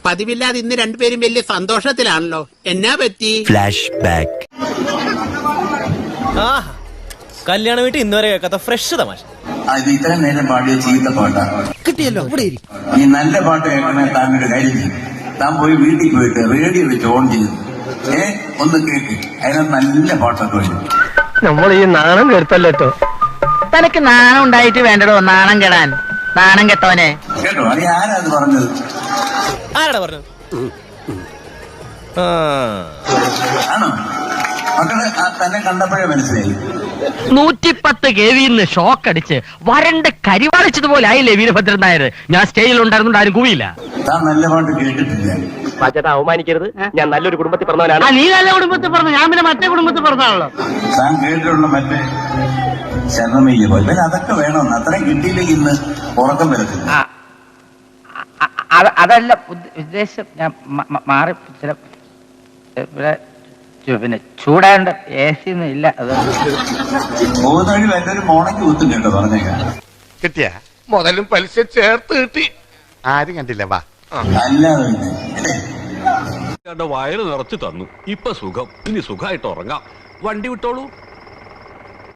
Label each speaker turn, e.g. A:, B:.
A: പതിവില്ലാതെ ഇന്ന് രണ്ടുപേരും വലിയ സന്തോഷത്തിലാണല്ലോ. എന്നാ പറ്റി?
B: Flash back.
C: കല്യാണ വീട്ടിൽ ഇന്നുവരെ കേൾക്കാത്ത ഫ്രഷ് തമാശ.
D: ഇത് ഇത്രയും നേരം പാടിയ ചീത്ത പാട്ടാണ്
E: കിട്ടിയല്ലോ.
D: ഈ നല്ല പാട്ട് കേൾക്കണേ താൻ ഒരു കാര്യം ചെയ്യും. താൻ പോയി വീട്ടിൽ പോയിട്ട് റേഡിയോ വെച്ച് ഓൺ ചെയ്തു ഒന്ന് കേക്ക്. അതിന് നല്ല പാട്ടൊക്കെ വരും.
E: നമ്മൾ ഈ നാണം കെടുത്തല്ലോ.
F: തനക്ക് നാണം ഉണ്ടായിട്ട് വേണ്ടടോ നാണം കെടാൻ. നാണം കെട്ടവനെ
D: കേട്ടോ? അത് ആരാത് പറഞ്ഞത്?
C: ആരാടാ പറഞ്ഞത്?
D: ആണോ? മക്കള് തന്നെ കണ്ടപ്പോഴേ മനസ്സിലായി.
F: 110 KV ഷോക്ക് അടിച്ച് വരണ്ട് കരിവാളിച്ചതുപോലെ ആയില്ലേ വീരഭദ്രൻ നായർ. ഞാൻ സ്റ്റേജിൽ ഉണ്ടായിരുന്നുണ്ട്, ആരും കൂവിയില്ല.
D: താൻ നല്ല പാട്ട് കേട്ടിട്ടില്ല.
E: ചേട്ടാ അവമാനിക്കരുത്. ഞാൻ നല്ലൊരു കുടുംബത്തിൽ പറഞ്ഞവനാണ്.
F: നീ നല്ല കുടുംബത്തിൽ പറഞ്ഞു, ഞാൻ പിന്നെ മറ്റേ കുടുംബത്തിൽ പറഞ്ഞാണല്ലോ.
D: താൻ കേട്ടിട്ടുള്ള മറ്റേ ശരണമയ്യ പോലെ പിന്നെ അതൊക്കെ വേണമെന്ന്. അത്രയും കിട്ടിയില്ലെങ്കിൽ ഇന്ന് ഉറക്കം വരത്തില്ല.
F: അതല്ല ഉദ്ദേശം. ഞാൻ മാറി ചില ഇവിടെ പിന്നെ ചൂടാണ്ട് AC ഒന്നും ഇല്ല. അത്
D: പോകുന്ന വഴി വല്ലൊരു മോണയ്ക്ക് കുത്തും കേട്ടോ പറഞ്ഞേക്കാം.
G: കിട്ടിയ മുതലും പലിശ ചേർത്ത് കിട്ടി. ആരും കണ്ടില്ല. വാ
D: അല്ലാതെ
H: വയറ് നിറച്ചു തന്നു. ഇപ്പൊ സുഖം. ഇനി സുഖമായിട്ട് ഉറങ്ങാം. വണ്ടി വിട്ടോളൂ.